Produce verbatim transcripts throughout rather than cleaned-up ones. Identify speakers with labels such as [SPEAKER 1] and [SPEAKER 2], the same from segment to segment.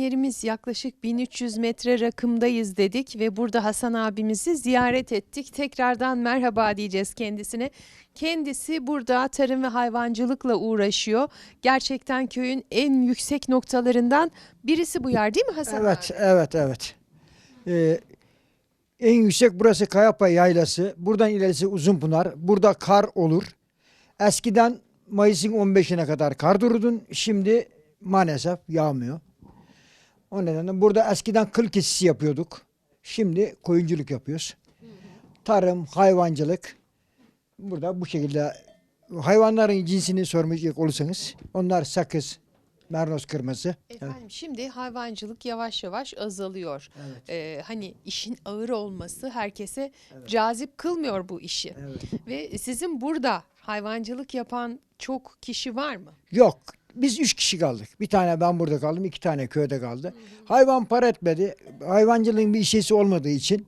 [SPEAKER 1] izleyenlerimiz yaklaşık bin üç yüz metre rakımdayız dedik ve burada Hasan abimizi ziyaret ettik. Tekrardan merhaba diyeceğiz kendisine. Kendisi burada tarım ve hayvancılıkla uğraşıyor. Gerçekten köyün en yüksek noktalarından birisi bu yer değil mi Hasan
[SPEAKER 2] Evet,
[SPEAKER 1] abi?
[SPEAKER 2] evet, evet. Ee, en yüksek burası Kayapa Yaylası. Buradan ilerisi Uzunpınar. Burada kar olur. Eskiden Mayıs'ın on beşine kadar kar dururdun. Şimdi maalesef yağmıyor. O nedenle burada eskiden kıl kesisi yapıyorduk. Şimdi koyunculuk yapıyoruz. Tarım, hayvancılık. Burada bu şekilde hayvanların cinsini sormayacak olursanız onlar sakız, mernos kırması.
[SPEAKER 1] Efendim şimdi hayvancılık yavaş yavaş azalıyor.
[SPEAKER 2] Evet.
[SPEAKER 1] Ee, hani işin ağır olması herkese cazip kılmıyor bu işi.
[SPEAKER 2] Evet.
[SPEAKER 1] Ve sizin burada hayvancılık yapan çok kişi var mı?
[SPEAKER 2] Yok. Biz üç kişi kaldık. Bir tane ben burada kaldım. İki tane köyde kaldı. Hayvan para etmedi. Hayvancılığın bir işesi olmadığı için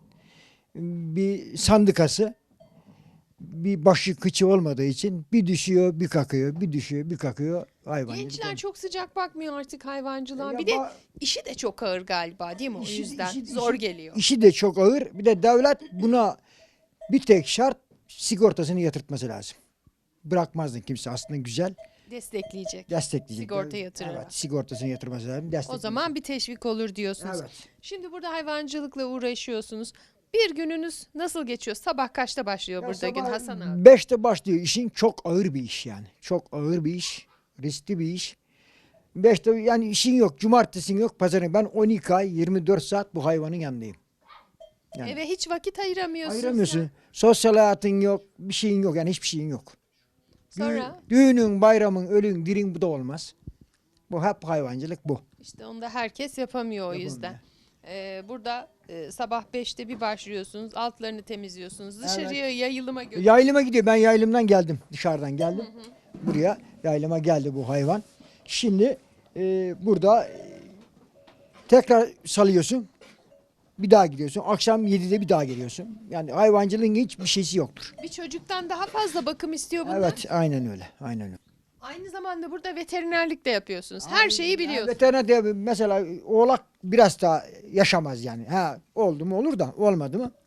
[SPEAKER 2] bir sandıkası bir başı kıçı olmadığı için bir düşüyor bir kakıyor. Bir düşüyor bir kakıyor. Hayvancılık.
[SPEAKER 1] Gençler çok sıcak bakmıyor artık hayvancılığa.
[SPEAKER 2] Ya
[SPEAKER 1] Bir de
[SPEAKER 2] ba-
[SPEAKER 1] işi de çok ağır galiba değil mi? O
[SPEAKER 2] İşi-
[SPEAKER 1] yüzden
[SPEAKER 2] işi-
[SPEAKER 1] zor
[SPEAKER 2] işi-
[SPEAKER 1] geliyor.
[SPEAKER 2] İşi de çok ağır. Bir de devlet buna bir tek şart sigortasını yatırtması lazım. Bırakmazdın kimse aslında güzel.
[SPEAKER 1] Destekleyecek.
[SPEAKER 2] Destekleyecek.
[SPEAKER 1] Sigorta yatırarak.
[SPEAKER 2] Evet, sigortasını yatırması lazım.
[SPEAKER 1] O
[SPEAKER 2] Destekleyecek.
[SPEAKER 1] zaman bir teşvik olur diyorsunuz.
[SPEAKER 2] Evet.
[SPEAKER 1] Şimdi burada hayvancılıkla uğraşıyorsunuz. Bir gününüz nasıl geçiyor? Sabah kaçta başlıyor
[SPEAKER 2] Ya
[SPEAKER 1] burada gün
[SPEAKER 2] sabah
[SPEAKER 1] Hasan abi?
[SPEAKER 2] beşte başlıyor. İşin çok ağır bir iş yani. Çok ağır bir iş. Riskli bir iş. Beşte yani işin yok. Cumartesin yok. Pazarın. Ben on iki ay yirmi dört saat bu hayvanın yanındayım. Yani
[SPEAKER 1] Eve hiç vakit ayıramıyorsunuz.
[SPEAKER 2] ayıramıyorsun.
[SPEAKER 1] ya.
[SPEAKER 2] Sosyal hayatın yok. Bir şeyin yok. Yani hiçbir şeyin yok. Düğün-
[SPEAKER 1] Sonra
[SPEAKER 2] düğünün, bayramın, ölün, dirin bu da olmaz. Bu hep hayvancılık bu.
[SPEAKER 1] işte onu da herkes yapamıyor o
[SPEAKER 2] Yapamıyor.
[SPEAKER 1] yüzden. Ee, burada e, sabah beşte bir başlıyorsunuz. Altlarını temizliyorsunuz. Dışarıya yayılıma götürüyorsunuz.
[SPEAKER 2] Yaylıma gidiyor. Ben yaylımdan geldim. Dışarıdan geldim. Buraya yaylıma geldi bu hayvan. Şimdi e, burada e, tekrar salıyorsun. Bir daha gidiyorsun. Akşam yedide bir daha geliyorsun. Yani hayvancılığın hiçbir şeysi yoktur.
[SPEAKER 1] Bir çocuktan daha fazla bakım istiyor bunlar.
[SPEAKER 2] Evet, aynen öyle. Aynen öyle.
[SPEAKER 1] Aynı zamanda burada veterinerlik de yapıyorsunuz. Her şeyi biliyorsunuz.
[SPEAKER 2] Veteriner de mesela oğlak biraz daha yaşamaz yani. Ha oldu mu olur da olmadı mı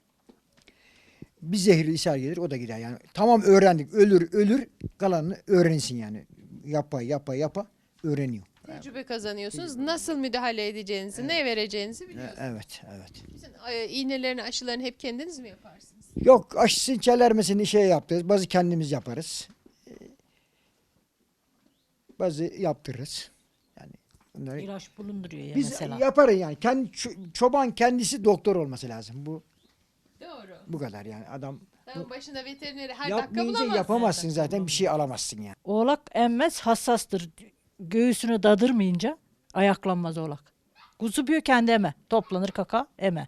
[SPEAKER 2] bir zehirli ishal gelir o da gider yani. Tamam öğrendik. Ölür ölür kalanını öğrensin yani. Yapa yapa yapa öğreniyor.
[SPEAKER 1] Tecrübe kazanıyorsunuz. Nasıl müdahale edeceğinizi, ne vereceğinizi
[SPEAKER 2] E,
[SPEAKER 1] biliyorsunuz.
[SPEAKER 2] Evet, evet.
[SPEAKER 1] Bütün e, iğnelerini, aşılarını hep kendiniz mi yaparsınız?
[SPEAKER 2] Yok aşısını çelermesini şey yaptırız. Bazı kendimiz yaparız. E, Bazı yaptırırız. Yani bunları
[SPEAKER 3] İlaç bulunduruyor ya
[SPEAKER 2] biz
[SPEAKER 3] mesela.
[SPEAKER 2] yaparız yani. Kendi ço- çoban kendisi doktor olması lazım. Bu
[SPEAKER 1] Doğru.
[SPEAKER 2] bu kadar yani. Adam
[SPEAKER 1] Tamam, başında veterineri her dakika
[SPEAKER 2] yapmayınca
[SPEAKER 1] bulamazsın.
[SPEAKER 2] yapamazsın zaten. Bir şey alamazsın yani.
[SPEAKER 3] Oğlak emmez, hassastır. Göğsünü dadırmayınca ayaklanmaz oğlak. Kuzu büyük kendi eme. Toplanır kaka eme.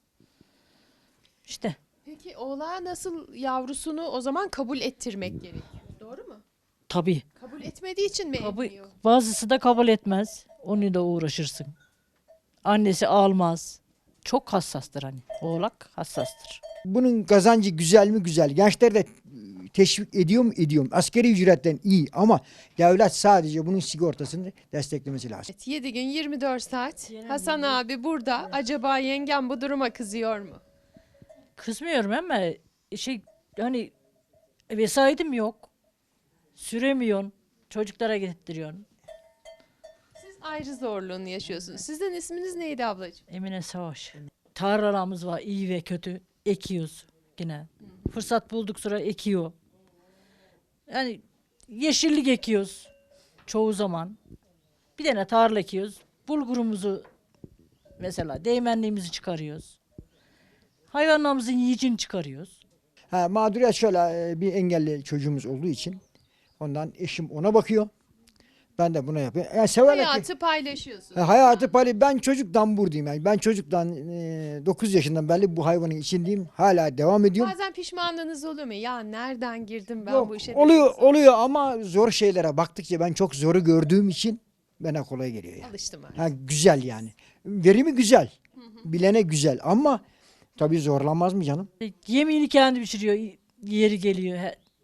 [SPEAKER 3] İşte
[SPEAKER 1] Peki oğlağa nasıl yavrusunu o zaman kabul ettirmek gerekiyor. Doğru mu?
[SPEAKER 3] tabii.
[SPEAKER 1] Kabul etmediği için mi
[SPEAKER 3] Kabul,
[SPEAKER 1] emmiyor?
[SPEAKER 3] bazısı da kabul etmez. Onu da uğraşırsın. Annesi almaz. Çok hassastır hani. Oğlak hassastır.
[SPEAKER 2] Bunun kazancı güzel mi? Güzel. Gençler de teşvik ediyor mu? Ediyorum. Askeri ücretten iyi ama devlet sadece bunun sigortasını desteklemesi lazım.
[SPEAKER 1] Evet, yedi gün yirmi dört saat. Hasan abi burada. Acaba yengem bu duruma kızıyor mu?
[SPEAKER 3] Kızmıyorum ama şey hani vesayetim yok. Süremiyorsun. Çocuklara getirtiyorsun.
[SPEAKER 1] Siz ayrı zorluğunu yaşıyorsunuz. Sizin isminiz neydi ablacığım?
[SPEAKER 3] Emine Savaş. Tarlalarımız var iyi ve kötü. Ekiyoruz yine. Fırsat bulduk sonra ekiyor. Yani yeşillik ekiyoruz çoğu zaman. Bir tane tarla ekiyoruz. Bulgurumuzu mesela değmenliğimizi çıkarıyoruz. Hayvanlarımızın yiyeceğini çıkarıyoruz.
[SPEAKER 2] Ha, mağduriyet şöyle e, bir engelli çocuğumuz olduğu için ondan eşim ona bakıyor. Ben de buna yapıyorum. Yani severek
[SPEAKER 1] Hayatı paylaşıyorsunuz.
[SPEAKER 2] Ha, hayatı paylaş. Ben çocuktan buradayım yani. Ben çocuktan e, dokuz yaşından beri bu hayvanın içindeyim. Hala devam ediyorum.
[SPEAKER 1] Bazen pişmanlığınız oluyor mu? Ya nereden girdim ben
[SPEAKER 2] Yok,
[SPEAKER 1] bu işe?
[SPEAKER 2] oluyor
[SPEAKER 1] dediğiniz
[SPEAKER 2] oluyor ama zor şeylere baktıkça ben çok zoru gördüğüm için bana kolay geliyor yani.
[SPEAKER 1] Alıştım artık.
[SPEAKER 2] Ha, güzel yani. Verimi güzel. Bilene güzel ama tabii zorlanmaz mı canım?
[SPEAKER 3] E, Yemeğini kendi pişiriyor. Yeri geliyor. He-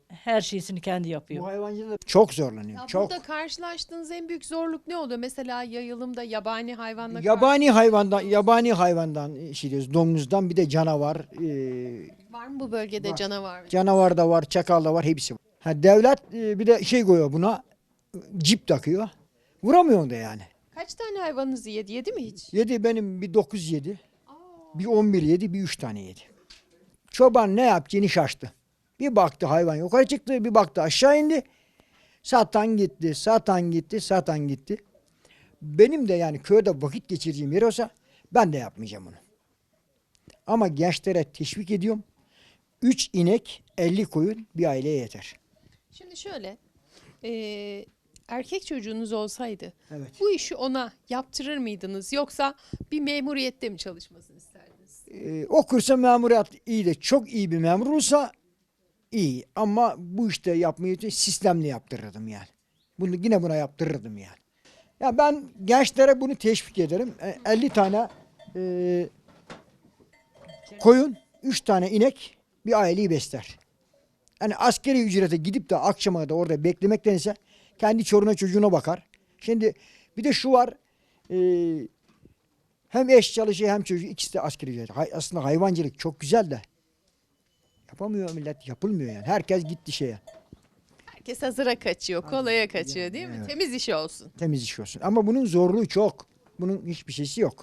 [SPEAKER 3] her şeysini kendi
[SPEAKER 2] Bu
[SPEAKER 3] yapıyor.
[SPEAKER 2] hayvancılık çok zorlanıyor.
[SPEAKER 1] Ya
[SPEAKER 2] çok.
[SPEAKER 1] burada karşılaştığınız en büyük zorluk ne oluyor? Mesela yayılımda yabani hayvanla
[SPEAKER 2] Yabani hayvandan, yabani hayvandan şey diyoruz, domuzdan bir de canavar, e,
[SPEAKER 1] karşı- var mı bu bölgede
[SPEAKER 2] Var.
[SPEAKER 1] canavar?
[SPEAKER 2] canavar da var, çakal da var, hepsi var. Ha, devlet e, bir de şey koyuyor buna, cip takıyor. Vuramıyor da yani.
[SPEAKER 1] Kaç tane hayvanınızı yedi? Yedi mi hiç?
[SPEAKER 2] Yedi benim bir dokuz yedi, bir on bir yedi, bir üç tane yedi. Çoban ne yapacağını şaştı. Bir baktı hayvan yukarı çıktı, bir baktı aşağı indi. Satan gitti, satan gitti, satan gitti. Benim de yani köyde vakit geçireceğim yer olsa ben de yapmayacağım onu. Ama gençlere teşvik ediyorum. Üç inek, elli koyun bir aileye yeter.
[SPEAKER 1] Şimdi şöyle, eee, erkek çocuğunuz olsaydı
[SPEAKER 2] Evet.
[SPEAKER 1] bu işi ona yaptırır mıydınız? Yoksa bir memuriyette mi çalışmasını isterdiniz?
[SPEAKER 2] Ee, okursa memuriyet iyi de çok iyi bir memur olursa iyi. Ama bu işte yapmayı sistemli yaptırırdım yani. Bunu yine buna yaptırırdım yani. Ya ben gençlere bunu teşvik ederim. E, elli tane e, koyun, üç tane inek bir aileyi besler. Yani askeri ücrete gidip de akşama da orada beklemektense kendi çoruna çocuğuna bakar. Şimdi bir de şu var. E, hem eş çalışıyor hem çocuğu, ikisi de askeri ücret. Hay- aslında hayvancılık çok güzel de yapamıyor millet, yapılmıyor yani. Herkes gitti şeye.
[SPEAKER 1] Herkes hazıra kaçıyor, kolaya kaçıyor değil mi?
[SPEAKER 2] evet.
[SPEAKER 1] Temiz iş olsun.
[SPEAKER 2] Temiz iş olsun. Ama bunun zorluğu çok. Bunun hiçbir şeysi yok.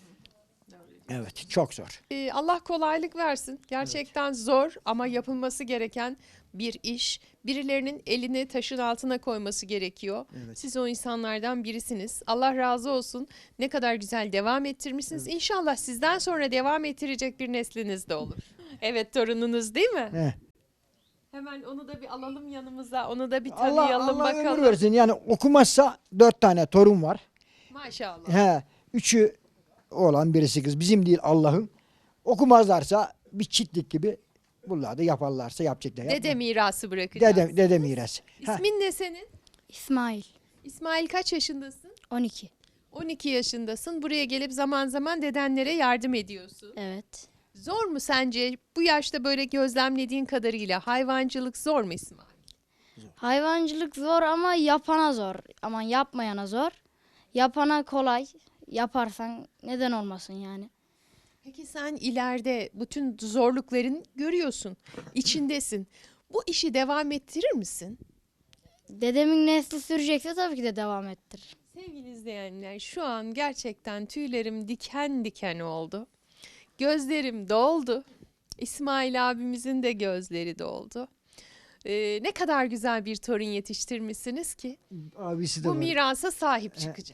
[SPEAKER 2] Evet, çok zor.
[SPEAKER 1] Ee, Allah kolaylık versin. Gerçekten zor ama yapılması gereken bir iş. Birilerinin elini taşın altına koyması gerekiyor.
[SPEAKER 2] Evet.
[SPEAKER 1] Siz o insanlardan birisiniz. Allah razı olsun. Ne kadar güzel devam ettirmişsiniz. İnşallah sizden sonra devam ettirecek bir nesliniz de olur. Evet, torununuz değil mi?
[SPEAKER 2] He.
[SPEAKER 1] Hemen onu da bir alalım yanımıza. Onu da bir
[SPEAKER 2] Allah,
[SPEAKER 1] tanıyalım
[SPEAKER 2] Allah ömür
[SPEAKER 1] bakalım.
[SPEAKER 2] versin. Yani okumazsa dört tane torun var.
[SPEAKER 1] Maşallah.
[SPEAKER 2] He, üçü oğlan, birisi kız. Bizim değil, Allah'ın. Okumazlarsa bir çitlik gibi bunlar da yaparlarsa yapacaklar.
[SPEAKER 1] Dede
[SPEAKER 2] Yapma.
[SPEAKER 1] mirası bırakacağız.
[SPEAKER 2] Dede, dede miras. Ha,
[SPEAKER 1] İsmin ne senin?
[SPEAKER 4] İsmail
[SPEAKER 1] İsmail kaç yaşındasın?
[SPEAKER 4] on iki.
[SPEAKER 1] on iki yaşındasın. Buraya gelip zaman zaman dedenlere yardım ediyorsun.
[SPEAKER 4] Evet.
[SPEAKER 1] Zor mu sence bu yaşta böyle gözlemlediğin kadarıyla hayvancılık zor mu İsmail?
[SPEAKER 4] Hayvancılık zor ama yapana zor. Ama yapmayana zor. Yapana kolay. Yaparsan neden olmasın yani.
[SPEAKER 1] Peki sen ileride bütün zorlukların görüyorsun, içindesin. Bu işi devam ettirir misin?
[SPEAKER 4] Dedemin nesli sürecekse tabii ki de devam ettirir.
[SPEAKER 1] Sevgili izleyenler, şu an gerçekten tüylerim diken diken oldu. Gözlerim doldu. İsmail abimizin de gözleri doldu. Ee, ne kadar güzel bir torun yetiştirmişsiniz ki
[SPEAKER 2] abisi de
[SPEAKER 1] bu
[SPEAKER 2] var.
[SPEAKER 1] mirasa sahip çıkacak.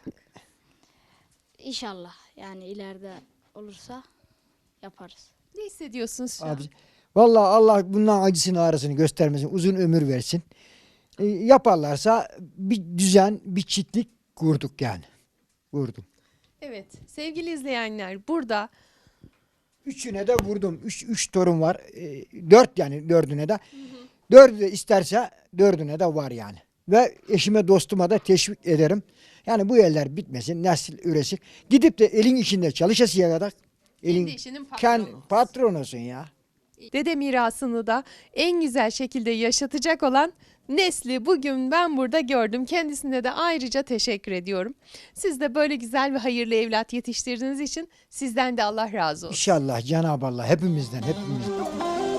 [SPEAKER 4] İnşallah yani ileride olursa yaparız.
[SPEAKER 1] Ne hissediyorsunuz şu an?
[SPEAKER 2] Abi, vallahi Allah bundan acısını ağrısını göstermesin. Uzun ömür versin. E, yaparlarsa bir düzen, bir çitlik kurduk yani. Kurdum.
[SPEAKER 1] Evet, sevgili izleyenler, burada
[SPEAKER 2] Üçüne de vurdum. Üç, üç torun var. E, dört yani dördüne de. Dördü de isterse dördüne de var yani. Ve eşime dostuma da teşvik ederim. Yani bu eller bitmesin, nesil üresin. Gidip de elin içinde çalışasıya kadar. Elin,
[SPEAKER 1] kendi işinin
[SPEAKER 2] Ken,
[SPEAKER 1] patronu.
[SPEAKER 2] patron olsun ya.
[SPEAKER 1] Dede mirasını da en güzel şekilde yaşatacak olan nesli bugün ben burada gördüm. Kendisine de ayrıca teşekkür ediyorum. Siz de böyle güzel ve hayırlı evlat yetiştirdiğiniz için sizden de Allah razı olsun.
[SPEAKER 2] İnşallah Cenab-ı Allah hepimizden, hepimizden.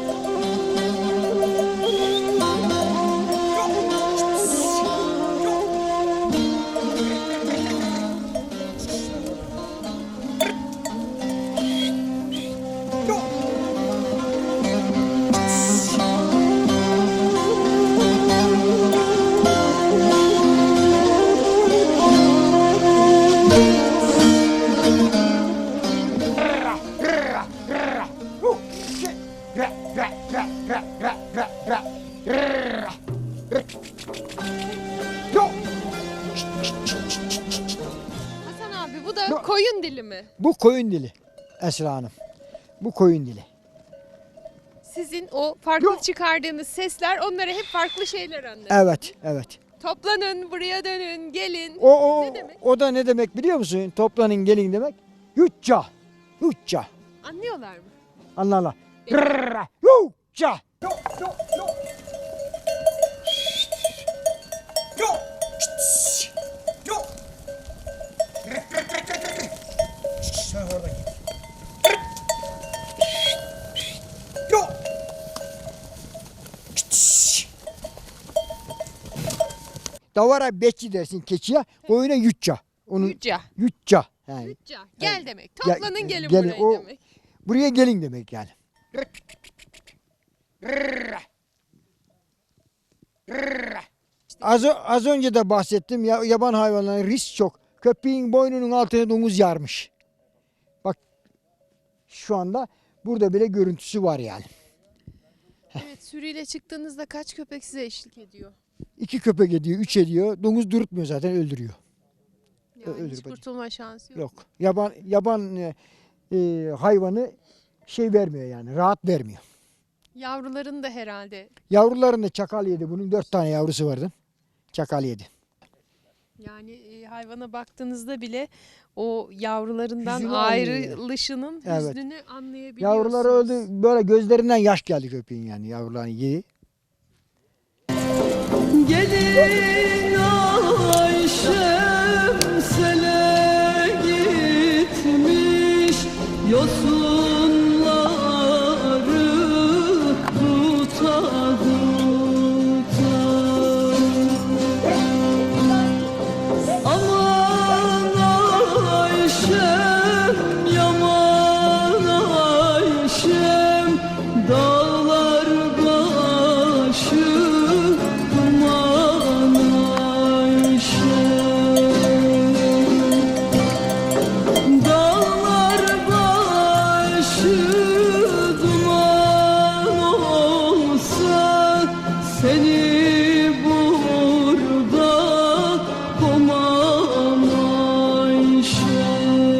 [SPEAKER 1] Hasan abi bu da koyun dili mi?
[SPEAKER 2] Bu koyun dili Esra Hanım. Bu koyun dili.
[SPEAKER 1] Sizin o farklı
[SPEAKER 2] Yok.
[SPEAKER 1] çıkardığınız sesler onlara hep farklı şeyler anlatıyor.
[SPEAKER 2] Evet, evet.
[SPEAKER 1] Toplanın, buraya dönün, gelin.
[SPEAKER 2] O, o,
[SPEAKER 1] Ne demek?
[SPEAKER 2] o da ne demek biliyor musun? Toplanın gelin demek. Yutça. Yutça.
[SPEAKER 1] Anlıyorlar mı?
[SPEAKER 2] Anlarlar. Yutça. Sen oradan git. Yo. Davara bekçi dersin keçiye, koyuna yutça. Onu
[SPEAKER 1] Yücca.
[SPEAKER 2] yutça. Yani
[SPEAKER 1] Yücca. Gel demek.
[SPEAKER 2] Gel-
[SPEAKER 1] Toplanın gelin,
[SPEAKER 2] gelin.
[SPEAKER 1] buraya
[SPEAKER 2] O-
[SPEAKER 1] demek.
[SPEAKER 2] buraya gelin demek yani. Az, ö- az önce de bahsettim ya, yaban hayvanların risk çok. Köpeğin boynunun altına domuz yarmış. Bak şu anda burada bile görüntüsü var yani.
[SPEAKER 1] Evet, sürüyle çıktığınızda kaç köpek size eşlik ediyor?
[SPEAKER 2] İki köpek ediyor, üç ediyor. Domuz durutmuyor zaten, öldürüyor.
[SPEAKER 1] Yani
[SPEAKER 2] Öldür
[SPEAKER 1] hiç
[SPEAKER 2] bacım.
[SPEAKER 1] kurtulma şansı yok.
[SPEAKER 2] Yok. Yaban yaban e, e, hayvanı şey vermiyor yani, rahat vermiyor.
[SPEAKER 1] Yavruların da herhalde.
[SPEAKER 2] Yavrularını da çakal yedi. Bunun dört tane yavrusu vardı. Çakal yedi.
[SPEAKER 1] Yani e, hayvana baktığınızda bile o yavrularından
[SPEAKER 2] Hüznünü
[SPEAKER 1] ayrılışının
[SPEAKER 2] Evet.
[SPEAKER 1] hüznünü anlayabiliyorsunuz.
[SPEAKER 2] Yavruları öldü. Böyle gözlerinden yaş geldi köpeğin yani, yavrularını yedi.
[SPEAKER 5] Gelin Ayşem sele gitmiş, yosunları tuta tuta. Aman Ayşem, yaman Ayşem, dağlar başı duman Ayşem. Dağlar başı duman olsa, seni burada komam Ayşem.